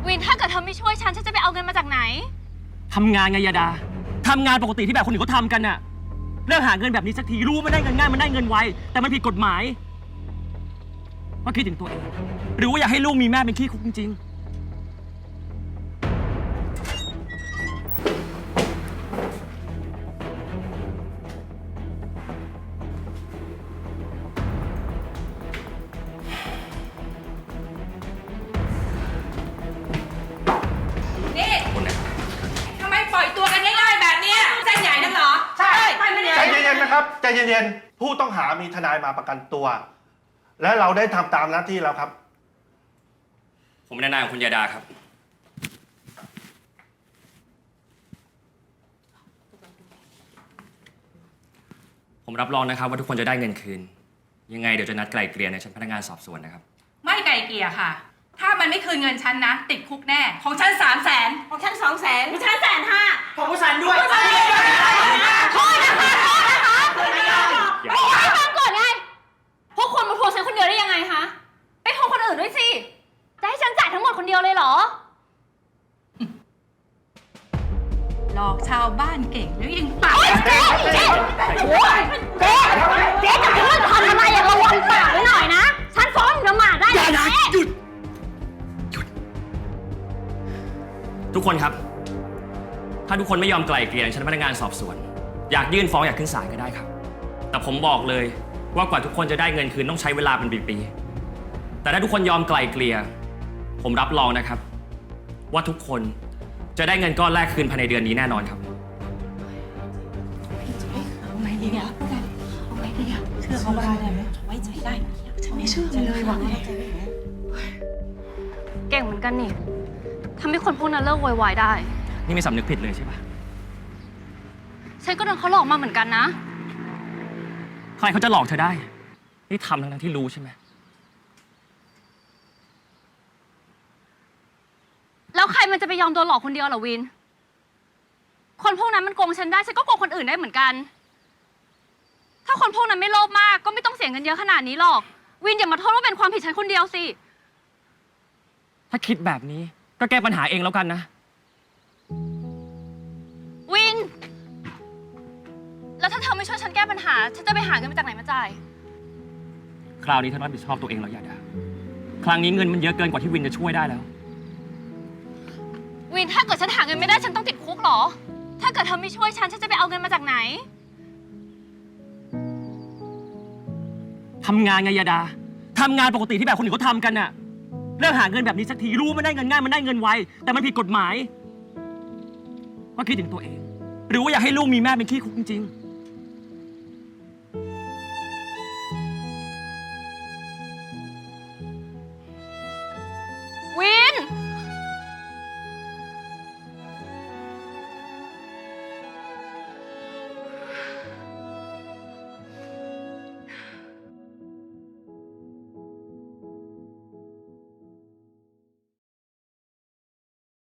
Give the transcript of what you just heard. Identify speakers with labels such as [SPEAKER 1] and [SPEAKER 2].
[SPEAKER 1] วินถ้าเกิดเธอไม่ช่วยฉันจะไปเอาเงินมาจากไหน
[SPEAKER 2] ทำงานไงยาดาทำงานปกติที่แบบคนอื่นเขาทำกันน่ะเลิกหาเงินแบบนี้สักทีรู้มันได้เงินง่ายมันได้เงินไวแต่มันผิดกฎหมายว่าคิดถึงตัวเองหรือว่าอยากให้ลูกมีแม่เป็นขี้คุกจริง
[SPEAKER 3] นี่ทำไมปล่อยตัวกันง่ายๆแบบนี้เส้นใหญ่นักเหรอใช่
[SPEAKER 4] ใจเย็นๆนะครับใจเย็นๆผู้ต้องหามีทนายมาประกันตัวและเราได้ทำตามหน้าที่แล้วครับ
[SPEAKER 2] ผมเป็นทนายของคุณยาดาครับผมรับรองนะครับว่าทุกคนจะได้เงินคืนยังไงเดี๋ยวจะนัดไกล่เกลี่ยในชั้นพนักงานสอบสวนนะครับ
[SPEAKER 3] ไม่ไกลเกลี่ยค่ะถ้ามันไม่คืนเงินฉันนะติดคุกแน่ของฉัน300,000
[SPEAKER 1] ของฉัน200,000ของฉัน150,000
[SPEAKER 5] ของผู้ชันด้วย
[SPEAKER 1] โทษนะคะให้ฟังก่อนไงพวกคนมาทวงฉันคนเดียวได้ยังไงคะไปทวงคนอื่นด้วยสิจะให้ฉันจ่ายทั้งหมดคนเดียวเลยเหรอ
[SPEAKER 3] หลอกชาวบ้านเก่งแล้วยังปาก
[SPEAKER 1] เจ๊จับฉันทำอะไรอย่าระวังปากไว้หน่อยนะฉันฟ้องละหมาดได้
[SPEAKER 2] ยาดาหยุดทุกคนครับถ้าทุกคนไม่ยอมไกล่เกลี่ยในชั้นพนักงานสอบสวนอยากยื่นฟ้องอยากขึ้นศาลก็ได้ครับแต่ผมบอกเลยว่ากว่าทุกคนจะได้เงินคืนต้องใช้เวลาเป็นปีๆแต่ถ้าทุกคนยอมไกล่เกลี่ยผมรับรองนะครับว่าทุกคนจะได้เงินก้อนแรกคืนภายในเดือนนี้แน่นอนครับ
[SPEAKER 3] เอาไงดีเนี่ยเอาไงดีอะเชื่อเขาได้ไหมไว้ใจได้ฉันไม่เชื่อเลยว่ะ
[SPEAKER 1] เก่งเหมือนกันนี่ทำให้คนพวกนั้นเลิกโวยวายได้
[SPEAKER 2] นี่ไม่สำนึกผิดเลยใช่ปะ
[SPEAKER 1] ฉันก็โดนเขาหลอกมาเหมือนกันนะ
[SPEAKER 2] ใครเขาจะหลอกเธอได้นี่ทำทั้งที่รู้ใช่ไหม
[SPEAKER 1] แล้วใครมันจะไปยอมโดนหลอกคนเดียวเหรอวินคนพวกนั้นมันโกงฉันได้ฉันก็โกงคนอื่นได้เหมือนกันถ้าคนพวกนั้นไม่โลภมากก็ไม่ต้องเสียเงินเยอะขนาดนี้หรอกวินอย่ามาโทษว่าเป็นความผิดฉันคนเดียวสิ
[SPEAKER 2] ถ้าคิดแบบนี้ก็แก้ปัญหาเองแล้วกันนะ
[SPEAKER 1] วินแล้วถ้าเธอไม่ช่วยฉันแก้ปัญหาฉันจะไปหาเงินมาจากไหนมาจ่าย
[SPEAKER 2] คราวนี้เธอรับผิดชอบตัวเองแล้วยาดาครั้งนี้เงินมันเยอะเกินกว่าที่วินจะช่วยได้แล้ว
[SPEAKER 1] วินถ้าเกิดฉันหาเงินไม่ได้ฉันต้องติดคุกเหรอถ้าเกิดเธอไม่ช่วยฉันจะไปเอาเงินมาจากไหน
[SPEAKER 2] ทำงานไงยาดาทำงานปกติที่แบบคนอื่นเขาทำกันน่ะเลิกหาเงินแบบนี้สักทีรู้มันได้เงินง่ายมันได้เงินไวแต่มันผิดกฎหมายว่าคิดถึงตัวเองหรือว่าอยากให้ลูกมีแม่เป็นขี้คุกจริงๆ